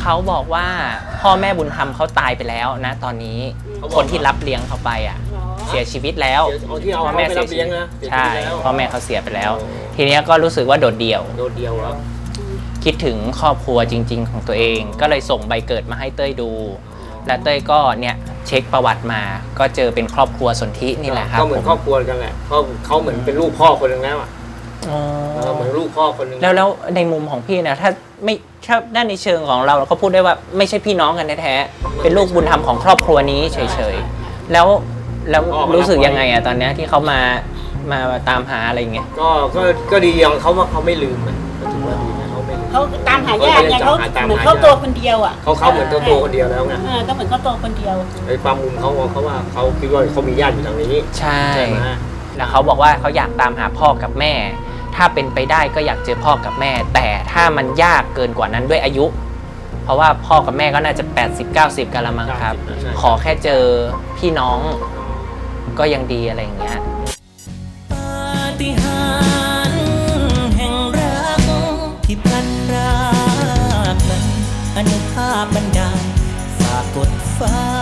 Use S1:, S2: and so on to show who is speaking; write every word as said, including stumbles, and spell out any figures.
S1: เขาบอกว่าพ่อแม่บุญธรรมเขาตายไปแล้วนะตอนนี้คนที่รับเลี้ยงเขาไปอ่ะเสียชีวิตแล้วพ่อแม่เสียชีวิตใช่พ่อแม่เขาเสียไปแล้วทีนี้ก็รู้สึกว่าโดดเดี่ยว
S2: โดดเดี่ยวครับ
S1: คิดถึงครอบครัวจริงๆของตัวเองก็เลยส่งใบเกิดมาให้เต้ยดูและเต้ยก็เนี่ยเช็คประวัติมาก็เจอเป็นครอบครัวสนธินี่แหละครับ
S2: ก็เหมือนครอบครัวกันแหละเขาเขาเหมือนเป็นลูกพ่อคนหนึ่งแล้วอ่ะเหมือนลูกพ่อคนหนึ่ง
S1: แล้วแล้วในมุมของพี่เนี่ยถ้าไม่ถ้าด้านในเชิงของเราเราก็พูดได้ว่าไม่ใช่พี่น้องกันแท้ๆเป็นลูกบุญธรรมของครอบครัวนี้เฉยๆแล้วแล้วรู้สึกยังไงอะตอนนี้ที่เขามามาตามหาอะไรเงี้ย
S2: ก็ก็ก็ดีอย่างเขาว่าเขาไม่ลืม
S3: เขาตามหายากไงเขาเหมือนเขาตัวคนเดียวอ่ะ
S2: เขาเขาเหมือนตัวตัวคนเดียวแล้วไง
S3: ก็เหมือนเขาตัวคนเดียว
S2: ไอ้ความมุมเขาเขาว่าเขาคิดว่าเขามีญาติอยู่ทางนี้
S1: ใช่แล้วเขาบอกว่าเขาอยากตามหาพ่อกับแม่ถ้าเป็นไปได้ก็อยากเจอพ่อกับแม่แต่ถ้ามันยากเกินกว่านั้นด้วยอายุเพราะว่าพ่อกับแม่ก็น่าจะ แปดสิบ เก้าสิบ กันละมั้งครับขอแค่เจอพี่น้องก็ยังดีอะไรอย่างเงี้ย
S4: ปาฏิหาริย์แห่งรักที่พลันรากนั้นอนุภาพบันดาลฝากกดฟ้า